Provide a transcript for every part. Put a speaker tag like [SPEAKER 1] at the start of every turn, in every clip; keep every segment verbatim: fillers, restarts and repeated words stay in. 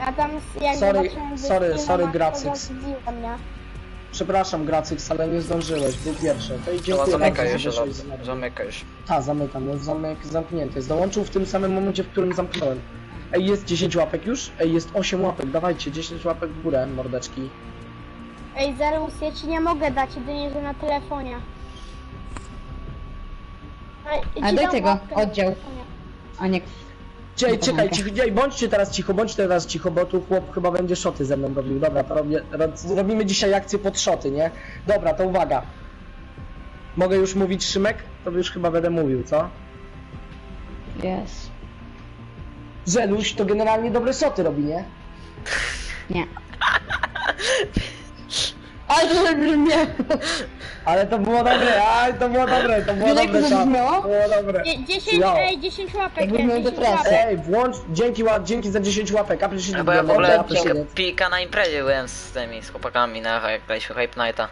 [SPEAKER 1] A tam jak
[SPEAKER 2] Sorry,
[SPEAKER 1] zobaczyłem
[SPEAKER 2] sorry,
[SPEAKER 1] wyspy,
[SPEAKER 2] sorry,
[SPEAKER 1] no, to
[SPEAKER 2] Gracix.
[SPEAKER 1] zadziwiło mnie.
[SPEAKER 2] Przepraszam, Gracix, ale nie zdążyłeś, był pierwszy. To i
[SPEAKER 3] Chyba
[SPEAKER 2] dziękuję
[SPEAKER 3] zamykaj
[SPEAKER 2] bardzo,
[SPEAKER 3] już,
[SPEAKER 2] że
[SPEAKER 3] Elo.
[SPEAKER 2] wyszłeś z nami.
[SPEAKER 3] Zamykaj już.
[SPEAKER 2] Ta, zamykam, jest zamek zamknięty. Dołączył w tym samym momencie, w którym zamknąłem. Ej, jest dziesięć łapek już? Ej, jest osiem łapek, dawajcie, dziesięć łapek w górę, mordeczki.
[SPEAKER 1] Ej, Zerus, ja ci nie mogę dać, jedynie że na telefonie. Ej,
[SPEAKER 4] A
[SPEAKER 1] ci
[SPEAKER 4] daj
[SPEAKER 1] dam
[SPEAKER 4] tego,
[SPEAKER 1] łapkę na
[SPEAKER 4] oddział.
[SPEAKER 1] telefonie.
[SPEAKER 4] A nie...
[SPEAKER 2] Ej,
[SPEAKER 4] Nie
[SPEAKER 2] czekaj,
[SPEAKER 4] pomogę.
[SPEAKER 2] cicho, ej, bądźcie teraz cicho, bądźcie teraz cicho, bo tu chłop chyba będzie szoty ze mną robił. Dobra, to robię, ro- robimy dzisiaj akcję pod szoty, nie? Dobra, to uwaga. Mogę już mówić, Szymek? To już chyba będę mówił, co?
[SPEAKER 4] Jest.
[SPEAKER 2] Żeluś to generalnie dobre szoty robi, nie?
[SPEAKER 4] Nie. Ale to brzmiało.
[SPEAKER 2] Ale to było dobre, aj, to było dobre, to było
[SPEAKER 4] Wiesz, jak
[SPEAKER 2] dobre,
[SPEAKER 4] to
[SPEAKER 2] to
[SPEAKER 4] zabrzmiało?
[SPEAKER 2] było dobre.
[SPEAKER 1] Dzie- dziesięć,
[SPEAKER 2] Jo.
[SPEAKER 1] ej, dziesięć łapek,
[SPEAKER 4] Jakby
[SPEAKER 1] jest,
[SPEAKER 4] miał
[SPEAKER 1] dziesięć
[SPEAKER 4] depresję.
[SPEAKER 1] łapek.
[SPEAKER 2] Ej, włącz, dzięki, ła- dzięki za dziesięć łapek, a przecież
[SPEAKER 3] No bo ja w ogóle
[SPEAKER 2] dobra,
[SPEAKER 3] pika,
[SPEAKER 2] przecież-
[SPEAKER 3] pika na imprezie byłem z tymi, z chłopakami na jak graliśmy Hype Nighta.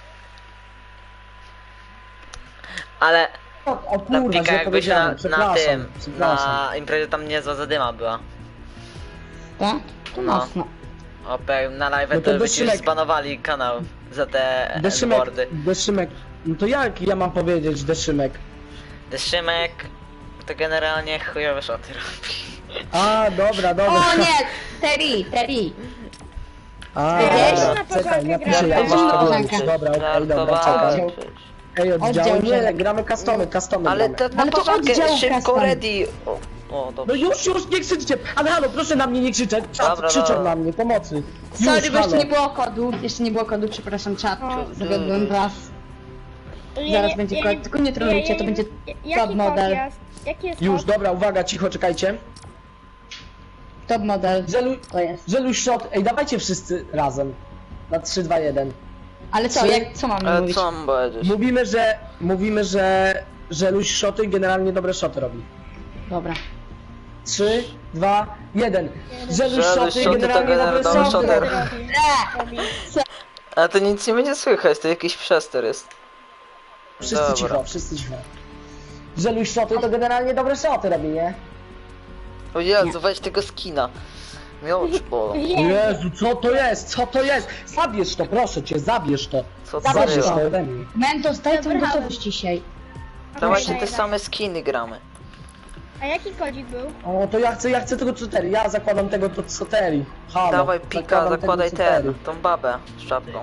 [SPEAKER 3] Ale
[SPEAKER 2] O, o
[SPEAKER 3] ta
[SPEAKER 2] kurwa,
[SPEAKER 3] pika
[SPEAKER 2] źle
[SPEAKER 3] jakby się
[SPEAKER 2] powiedziałem,
[SPEAKER 3] na, na
[SPEAKER 2] przepraszam,
[SPEAKER 3] tym,
[SPEAKER 2] przepraszam.
[SPEAKER 3] na imprezie tam niezła zadyma była.
[SPEAKER 4] Tak? To
[SPEAKER 3] No.
[SPEAKER 4] mocno.
[SPEAKER 3] Opę na live
[SPEAKER 2] No to
[SPEAKER 3] to by ci
[SPEAKER 2] Deszymek.
[SPEAKER 3] już zbanowali kanał za te
[SPEAKER 2] Deszymek,
[SPEAKER 3] boardy.
[SPEAKER 2] Deszymek, no to jak ja mam powiedzieć, Deszymek?
[SPEAKER 3] Deszymek to generalnie chujowe szoty robi.
[SPEAKER 2] A, dobra, dobra.
[SPEAKER 4] O nie! Terry, Terry.
[SPEAKER 2] A,
[SPEAKER 1] Ja
[SPEAKER 4] jeszcze
[SPEAKER 2] dobra,
[SPEAKER 1] na
[SPEAKER 2] czekaj,
[SPEAKER 1] początek
[SPEAKER 2] napiszę, ja
[SPEAKER 1] grałem.
[SPEAKER 2] już to
[SPEAKER 4] Żartowałem.
[SPEAKER 2] wiem. Dobra, okej, dobra,
[SPEAKER 3] Żartowałem
[SPEAKER 2] czekaj.
[SPEAKER 3] przecież.
[SPEAKER 2] Ej, oddział,
[SPEAKER 4] Oddział,
[SPEAKER 2] nie,
[SPEAKER 4] że-
[SPEAKER 2] gramy customy, customy
[SPEAKER 3] Ale
[SPEAKER 2] gramy.
[SPEAKER 3] to na
[SPEAKER 4] Ale to
[SPEAKER 3] początku
[SPEAKER 4] oddział
[SPEAKER 3] szybko
[SPEAKER 4] custom.
[SPEAKER 3] ready. O, o
[SPEAKER 2] No
[SPEAKER 3] dobrze.
[SPEAKER 2] już, już, nie krzyczcie, ale halo, proszę na mnie nie krzyczeć, czat
[SPEAKER 3] Dobra,
[SPEAKER 2] krzyczą
[SPEAKER 3] dobra.
[SPEAKER 2] na mnie, pomocy.
[SPEAKER 4] Sorry,
[SPEAKER 2] Już,
[SPEAKER 4] bo jeszcze
[SPEAKER 2] halo.
[SPEAKER 4] nie było kodu. Jeszcze nie było kodu, przepraszam, czat.
[SPEAKER 1] O.
[SPEAKER 4] Zawiodłem was.
[SPEAKER 1] Ja
[SPEAKER 4] Zaraz
[SPEAKER 1] nie-
[SPEAKER 4] będzie
[SPEAKER 1] ja
[SPEAKER 4] kod, tylko nie trolujcie, to będzie
[SPEAKER 1] Jaki
[SPEAKER 4] top model.
[SPEAKER 1] kod jest? Jaki jest
[SPEAKER 2] Już,
[SPEAKER 1] kod?
[SPEAKER 2] dobra, uwaga, cicho, czekajcie.
[SPEAKER 4] Top model.
[SPEAKER 2] Żelu,
[SPEAKER 4] To jest.
[SPEAKER 2] żeluś shot, ej, dawajcie wszyscy razem. Na trzy, dwa, jeden.
[SPEAKER 4] Ale co,
[SPEAKER 2] Trzy.
[SPEAKER 4] jak, co mamy
[SPEAKER 3] Ale
[SPEAKER 4] mówić?
[SPEAKER 3] co mam powiedzieć?
[SPEAKER 2] Mówimy, że, mówimy, że żeluś szoty generalnie dobre szoty robi.
[SPEAKER 4] Dobra.
[SPEAKER 2] trzy, dwa, jeden. Żeluś
[SPEAKER 3] Żeluś
[SPEAKER 2] szoty
[SPEAKER 3] szoty to
[SPEAKER 2] generalnie
[SPEAKER 3] generalnie
[SPEAKER 2] dobre
[SPEAKER 3] dobre
[SPEAKER 2] szoty
[SPEAKER 3] szoty.
[SPEAKER 2] robi.
[SPEAKER 1] Robi. Robi.
[SPEAKER 3] A to nic nie będzie słychać, to jakiś przester jest.
[SPEAKER 2] Wszyscy
[SPEAKER 3] Dobra.
[SPEAKER 2] cicho, wszyscy cicho. Żeluś szoty to generalnie dobre szoty robi, nie?
[SPEAKER 3] O Jezu, weź tego skina. Mnie oczy bolą.
[SPEAKER 2] Jezu, co to jest? Co to jest? Zabierz to, proszę cię, zabierz to.
[SPEAKER 3] Co to
[SPEAKER 2] Zabierz
[SPEAKER 3] jest?
[SPEAKER 2] to ode mnie.
[SPEAKER 4] Mentos, daj tą
[SPEAKER 1] Dobra.
[SPEAKER 4] gotowość dzisiaj.
[SPEAKER 3] Dawajcie
[SPEAKER 1] Dobra,
[SPEAKER 3] te
[SPEAKER 1] idę.
[SPEAKER 3] same skiny gramy.
[SPEAKER 1] A jaki kodzik był?
[SPEAKER 2] O, to ja chcę, ja chcę tego coteri. Ja zakładam tego to coteri. Halo.
[SPEAKER 3] Dawaj pika,
[SPEAKER 2] zakładam tego
[SPEAKER 3] zakładaj
[SPEAKER 2] coteri.
[SPEAKER 3] ten, tą babę z czapką.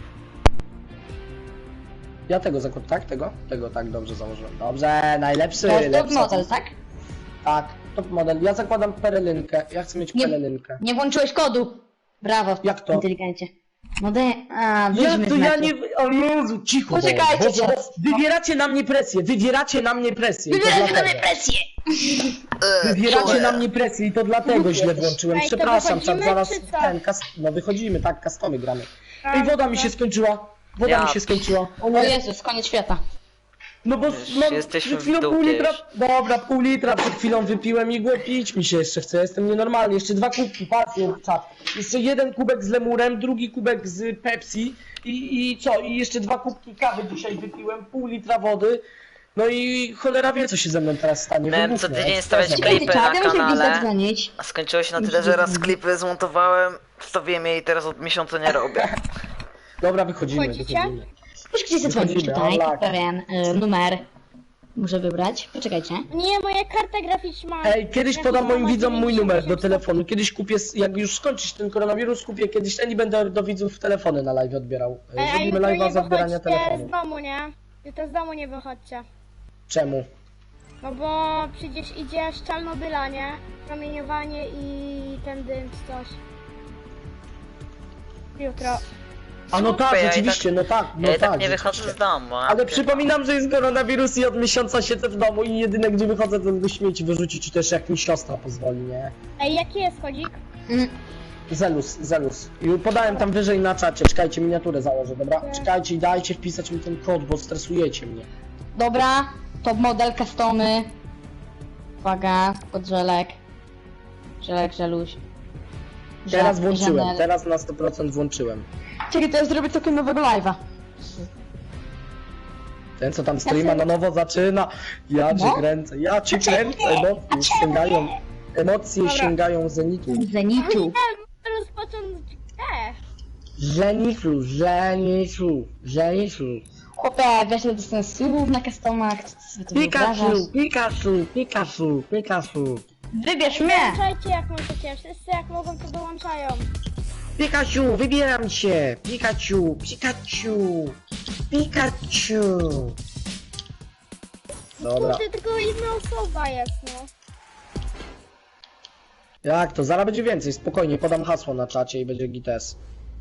[SPEAKER 2] Ja tego zakładam, tak? Tego? Tego tak dobrze założyłem. Dobrze, najlepszy.
[SPEAKER 4] To jest top
[SPEAKER 2] lepsza.
[SPEAKER 4] model, tak?
[SPEAKER 2] Tak, top model. Ja zakładam perelynkę. Ja chcę mieć
[SPEAKER 4] Nie.
[SPEAKER 2] perelynkę.
[SPEAKER 4] Nie włączyłeś kodu. Brawo.
[SPEAKER 2] Jak to?
[SPEAKER 4] Inteligencie. No de... A,
[SPEAKER 2] Jak
[SPEAKER 4] wyjdźmy
[SPEAKER 2] to
[SPEAKER 4] z
[SPEAKER 2] ja
[SPEAKER 4] meczu.
[SPEAKER 2] nie... O Jezu, cicho.
[SPEAKER 4] Poczekajcie,
[SPEAKER 2] bo, bo, bo
[SPEAKER 4] czas.
[SPEAKER 2] wywieracie na mnie presję, wywieracie na mnie presję. i to
[SPEAKER 4] Wybieraj na
[SPEAKER 2] dlatego.
[SPEAKER 4] mnie presję.
[SPEAKER 2] Wywieracie na mnie presję i to dlatego źle włączyłem.
[SPEAKER 1] Ej, to
[SPEAKER 2] Przepraszam, czat,
[SPEAKER 1] wychodzimy,
[SPEAKER 2] zaraz
[SPEAKER 1] czy co?
[SPEAKER 2] ten, kas... no wychodzimy, tak, customy gramy.
[SPEAKER 1] A,
[SPEAKER 2] Ej, woda mi
[SPEAKER 1] dobra.
[SPEAKER 2] się skończyła. Woda
[SPEAKER 3] Ja
[SPEAKER 2] mi się skończyła. O
[SPEAKER 4] O
[SPEAKER 2] nie.
[SPEAKER 4] Jezus, koniec świata.
[SPEAKER 2] No bo
[SPEAKER 3] Już
[SPEAKER 2] no,
[SPEAKER 3] jesteśmy
[SPEAKER 2] przed chwilą
[SPEAKER 3] w dupie
[SPEAKER 2] pół litra,
[SPEAKER 3] już.
[SPEAKER 2] dobra, pół litra przed chwilą wypiłem i głupio pić mi się jeszcze chce, jestem nienormalny, jeszcze dwa kubki, patrzcie, czat. Jeszcze jeden kubek z lemurem, drugi kubek z Pepsi i, i co, i jeszcze dwa kubki kawy dzisiaj wypiłem, pół litra wody. No i cholera wie co się ze mną teraz stanie.
[SPEAKER 3] Miałem
[SPEAKER 2] wybuchnę,
[SPEAKER 3] co tydzień
[SPEAKER 2] eksplozja.
[SPEAKER 3] stawiać
[SPEAKER 4] Czekajcie,
[SPEAKER 3] klipy na
[SPEAKER 4] czad, ja muszę gdzieś
[SPEAKER 3] kanale.
[SPEAKER 4] zadzwonić.
[SPEAKER 3] A skończyło się na tyle, że raz klipy zmontowałem, wstawiłem je i teraz od miesiąca nie robię.
[SPEAKER 2] Dobra, wychodzimy,
[SPEAKER 1] Wchodzicie?
[SPEAKER 2] wychodzimy.
[SPEAKER 4] Muszę gdzieś zadzwonić
[SPEAKER 2] Wychodzimy,
[SPEAKER 4] tutaj,
[SPEAKER 2] o, tak.
[SPEAKER 4] pewien y, numer. Muszę wybrać. Poczekajcie.
[SPEAKER 1] Nie, moja karta graficzna.
[SPEAKER 2] Ej, kiedyś
[SPEAKER 1] graficzna
[SPEAKER 2] podam moim
[SPEAKER 1] ma
[SPEAKER 2] widzom mój numer do
[SPEAKER 1] dziewięćdziesiąt
[SPEAKER 2] telefonu. Kiedyś kupię, s- jak już skończyć ten koronawirus, kupię kiedyś ten i będę do widzów telefony na live odbierał.
[SPEAKER 1] Ej, a
[SPEAKER 2] Zrobimy
[SPEAKER 1] jutro
[SPEAKER 2] live'a
[SPEAKER 1] nie
[SPEAKER 2] z odbierania
[SPEAKER 1] wychodźcie
[SPEAKER 2] telefonu.
[SPEAKER 1] z domu, nie? Jutro z domu nie wychodźcie.
[SPEAKER 2] Czemu?
[SPEAKER 1] No bo przecież idzie z Czarnobyla, nie? Promieniowanie i ten dym czy coś. Jutro.
[SPEAKER 2] A no tak,
[SPEAKER 3] Super, ja i
[SPEAKER 2] rzeczywiście, no tak, no
[SPEAKER 3] Ja i
[SPEAKER 2] tak.
[SPEAKER 3] tak nie wychodzę
[SPEAKER 2] rzeczywiście.
[SPEAKER 3] z domu. a
[SPEAKER 2] Ale
[SPEAKER 3] pier-
[SPEAKER 2] przypominam, że jest koronawirus i od miesiąca siedzę w domu i jedyne gdzie wychodzę to do śmieci wyrzucić, czy też jak mi siostra pozwoli, nie?
[SPEAKER 1] Ej, jaki jest kodzik?
[SPEAKER 4] Mm,
[SPEAKER 2] Zelus, Zelus. I podałem tam wyżej na czacie, czekajcie, miniaturę założę, dobra? Czekajcie i dajcie wpisać mi ten kod, bo stresujecie mnie.
[SPEAKER 4] Dobra, top model, customy. Uwaga, podżelek. Żelek, żeluś.
[SPEAKER 2] Teraz
[SPEAKER 4] Żel-
[SPEAKER 2] włączyłem,
[SPEAKER 4] żenel.
[SPEAKER 2] teraz na sto procent włączyłem.
[SPEAKER 4] Czekaj, to ja zrobię całkiem nowego live'a.
[SPEAKER 2] Ten co tam streama na nowo zaczyna, ja cię
[SPEAKER 4] No.
[SPEAKER 2] kręcę, ja cię kręcę, emocje sięgają, emocje
[SPEAKER 1] Dobra.
[SPEAKER 2] sięgają zenitu.
[SPEAKER 4] Zenitu.
[SPEAKER 1] Nie,
[SPEAKER 2] Żeniszu, żeniszu, żeniszu.
[SPEAKER 4] Chłopie, wiesz ile dostałem subów na customach, co ty sobie to wyobrażasz?
[SPEAKER 2] Pikachu, Pikachu, Pikachu, Pikachu.
[SPEAKER 4] Wybierz mnie!
[SPEAKER 1] Dołączajcie jak możecie, wszyscy jak mogą to dołączają.
[SPEAKER 2] Pikachu, wybieram cię! Pikachu, Pikachu, Pikachu. Dobra.
[SPEAKER 1] Kurde, tylko jedna osoba jest, no.
[SPEAKER 2] Jak to? Zaraz będzie więcej, spokojnie, podam hasło na czacie i będzie gites.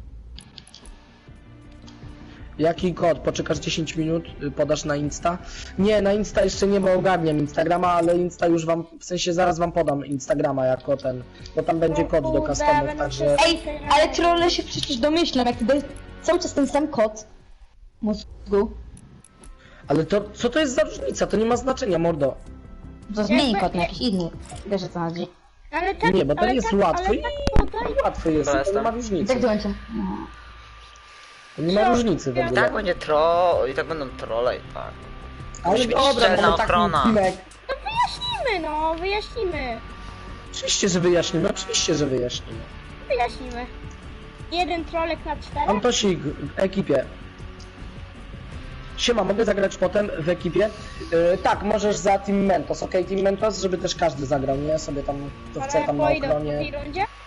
[SPEAKER 2] Jaki kod? Poczekasz dziesięć minut, y, podasz na Insta? Nie, na Insta jeszcze nie, bo ogarniam Instagrama, ale Insta już wam, w sensie zaraz wam podam Instagrama jako ten, bo tam będzie kod do
[SPEAKER 1] Kurde,
[SPEAKER 2] customów,
[SPEAKER 1] będę
[SPEAKER 2] także...
[SPEAKER 1] wszyscy-
[SPEAKER 4] Ej, ale trolle się przecież domyślam, jak ty dajesz cały czas ten sam kod mózgu,
[SPEAKER 2] Ale to, co to jest za różnica? To nie ma znaczenia, mordo.
[SPEAKER 4] to zmieni
[SPEAKER 1] Jakby-
[SPEAKER 4] kod na jakiś inny. Wiesz o co chodzi.
[SPEAKER 1] Ale tak,
[SPEAKER 2] Nie, bo to
[SPEAKER 1] ale
[SPEAKER 2] jest
[SPEAKER 1] tak,
[SPEAKER 2] łatwe
[SPEAKER 1] ale
[SPEAKER 2] i
[SPEAKER 1] tak podaj.
[SPEAKER 2] łatwe jest,
[SPEAKER 3] Dobra,
[SPEAKER 2] to nie ma
[SPEAKER 3] jestem.
[SPEAKER 2] różnicy.
[SPEAKER 4] Tak dołączam.
[SPEAKER 2] To nie ma
[SPEAKER 1] Co?
[SPEAKER 2] różnicy w
[SPEAKER 3] I
[SPEAKER 2] ogóle.
[SPEAKER 3] tak będzie tro... i tak będą trolle i tak.
[SPEAKER 2] Ale
[SPEAKER 3] musi być
[SPEAKER 2] dobra,
[SPEAKER 3] szczelna
[SPEAKER 2] mamy taki
[SPEAKER 3] ochrona.
[SPEAKER 2] odcinek.
[SPEAKER 1] Wyjaśnimy, no, wyjaśnimy.
[SPEAKER 2] Oczywiście, że wyjaśnimy, oczywiście, że wyjaśnimy.
[SPEAKER 1] Wyjaśnimy. Jeden trolek na czterech?
[SPEAKER 2] Antosik w ekipie. Siema, mogę zagrać potem w ekipie? Yy, tak, możesz za Team Mentos, ok? Team Mentos, żeby też każdy zagrał, nie? Sobie tam, kto chce
[SPEAKER 1] Ale
[SPEAKER 2] tam na
[SPEAKER 1] po ile? W
[SPEAKER 2] ochronie.
[SPEAKER 1] drugiej rundzie?